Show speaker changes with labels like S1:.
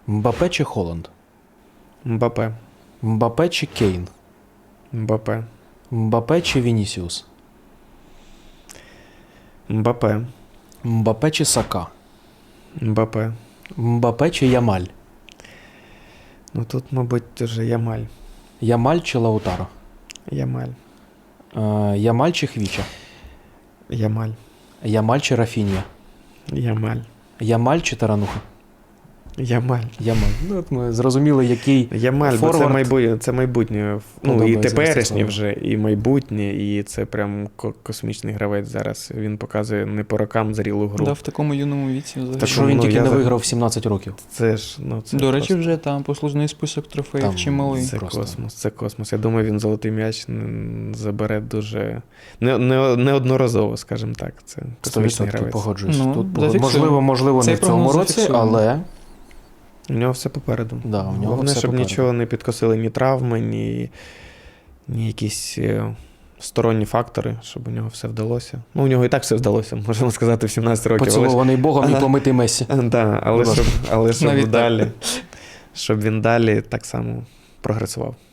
S1: Мбапе чи Холланд?
S2: Мбапе.
S1: Мбапе чи Кейн?
S2: Мбапе.
S1: Мбапе чи Вінісіус?
S2: Мбапе.
S1: Мбапе чи Сака?
S2: Мбапе.
S1: Мбапе чи Ямаль?
S2: Ну тут, мабуть, вже Ямаль.
S1: Ямаль чи Лаутаро?
S2: Ямаль.
S1: Ямаль чи Хвіча?
S2: Ямаль.
S1: Ямаль чи Рафінія?
S2: Ямаль.
S1: Ямаль чи Тарануха?
S2: Ямаль.
S1: Ямаль. Ну, от ми зрозуміли, який
S2: Ямаль, бо
S1: форвард
S2: це майбутнє. Ну, і
S1: подобається
S2: теперішнє
S1: Ростиславу.
S2: вже, і майбутнє, і це прям космічний гравець зараз. Він показує не по рокам зрілу гру.
S3: Да, в такому юному віці взагалі.
S2: Так,
S1: що він
S2: ну,
S1: тільки
S2: я
S1: не
S2: за-
S1: виграв в 17 років.
S2: Це ж, ну, це
S3: До речі,
S2: просто-
S3: вже там послужний список трофеїв
S1: Там
S3: чималий.
S2: Це
S1: просто.
S2: космос, це космос. Я думаю, він золотий м'яч забере дуже неодноразово, скажімо так. Це космічний
S1: 100%
S2: гравець.
S1: погоджуюсь.
S3: Ну,
S1: Тут
S3: зафіксуємо.
S1: можливо
S3: Цей
S1: не в цьому
S3: прогноз
S1: році,
S3: зафіксуємо.
S1: але
S2: У нього все попереду.
S1: Да, у нього
S2: Головне,
S1: все
S2: щоб
S1: попереду.
S2: нічого не підкосили, ні травми, ні якісь сторонні фактори, щоб у нього все вдалося. Ну, у нього і так все вдалося, можемо сказати, в 17 років.
S1: поцілований Богом і помитий Месі.
S2: Да,
S1: Будь ласка.
S2: але щоб
S3: Навіть
S2: далі, щоб він далі так само прогресував.